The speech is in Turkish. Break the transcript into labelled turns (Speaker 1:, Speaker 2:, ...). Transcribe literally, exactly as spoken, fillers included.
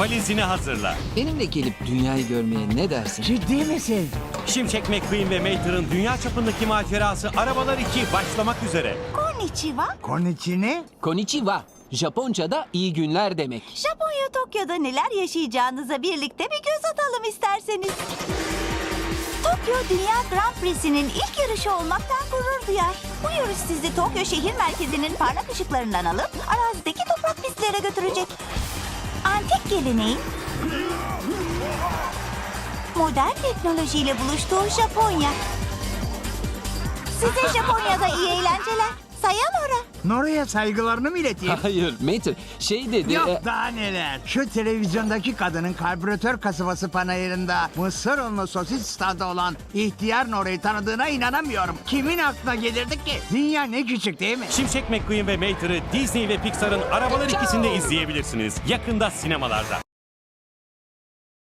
Speaker 1: Valizini hazırla.
Speaker 2: Benimle gelip dünyayı görmeye ne dersin?
Speaker 3: Ciddi misin?
Speaker 1: Şimşek McQueen ve Mater'ın dünya çapındaki macerası Arabalar iki başlamak üzere.
Speaker 4: Konnichiwa.
Speaker 3: Konichi ne?
Speaker 2: Konnichiwa. Japonca'da iyi günler demek.
Speaker 4: Japonya Tokyo'da neler yaşayacağınıza birlikte bir göz atalım isterseniz. Tokyo Dünya Grand Prix'sinin ilk yarışı olmaktan gurur duyar. Bu yarış sizi Tokyo şehir merkezinin parlak ışıklarından alıp arazideki toprak pistlere götürecek. Antik geleneğin modern teknolojiyle buluştuğu Japonya. Size Japonya'da iyi eğlenceler. Sayonara.
Speaker 3: Nora'ya saygılarını mı ileteyim?
Speaker 2: Hayır Mater şey dedi.
Speaker 3: Yok
Speaker 2: e,
Speaker 3: daha neler. Şu televizyondaki kadının karbüratör kasabası panayırında mısır unlu sosis standı olan ihtiyar Nora'yı tanıdığına inanamıyorum. Kimin aklına gelirdi ki? Dünya ne küçük değil mi?
Speaker 1: Şimşek McQueen ve Mater'ı Disney ve Pixar'ın Arabalar ikisinde izleyebilirsiniz. Yakında sinemalarda.